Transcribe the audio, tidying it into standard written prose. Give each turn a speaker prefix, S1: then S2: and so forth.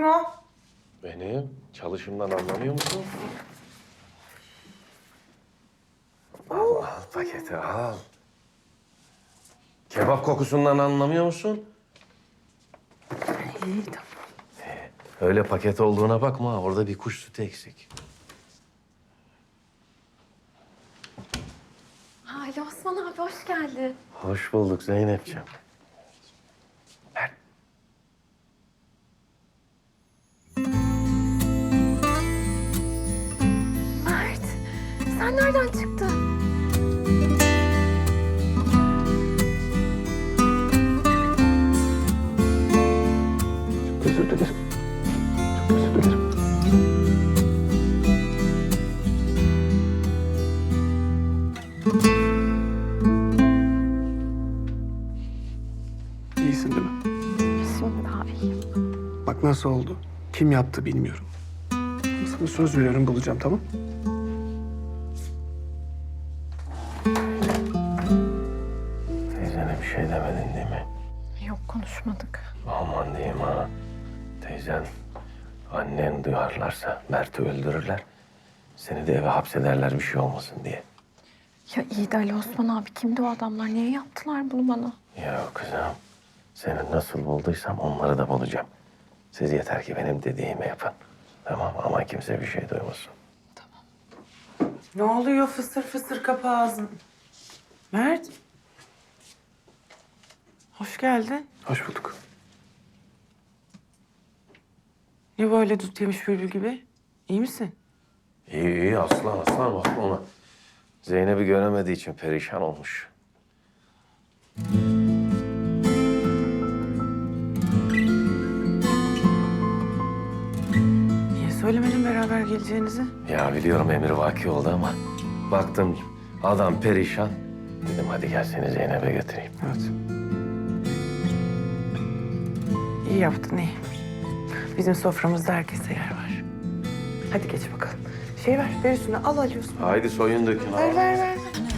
S1: Kim o?
S2: Benim çalışımdan anlamıyor musun? Al paketi al. Kebap kokusundan anlamıyor musun?
S1: İyi tamam.
S2: Öyle paket olduğuna bakma. Orada bir kuş sütü eksik.
S3: Ali Osman abi hoş geldin.
S2: Hoş bulduk Zeynep'ciğim. Ver.
S3: Mert, sen nereden çıktın?
S2: Özür dilerim. Çok özür dilerim.
S4: İyisin değil mi?
S3: Şimdi daha iyiyim.
S4: Bak nasıl oldu. Kim yaptı bilmiyorum. Ama sana söz veriyorum bulacağım, tamam?
S2: Teyzene bir şey demedin değil mi?
S3: Yok konuşmadık.
S2: Aman diyeyim ha. Teyzen, annen duyarlarsa Mert'i öldürürler. Seni de eve hapsederler bir şey olmasın diye.
S3: Ya iyi de Ali Osman abi kimdi o adamlar? Niye yaptılar bunu bana?
S2: Ya kızım, seni nasıl bulduysam onları da bulacağım. Siz yeter ki benim dediğimi yapın. Tamam ama kimse bir şey duymasın.
S1: Ne oluyor fısır fısır kapı ağzın? Mert. Hoş geldin.
S4: Hoş bulduk.
S1: Ne böyle dut yemiş bülbül gibi? İyi misin?
S2: İyi iyi aslan aslan bakma ona. Zeynep'i göremediği için perişan olmuş.
S1: Niye söylemedin beraber geleceğinizi?
S2: Ya biliyorum emrivaki oldu ama baktım adam perişan. Dedim hadi gel seni Zeynep'e götüreyim.
S4: Evet.
S1: İyi yaptın iyi. Bizim soframızda herkese yer var. Hadi geç bakalım. Ver üstüne al alıyorsun.
S2: Haydi soyun dökün.
S1: Ver.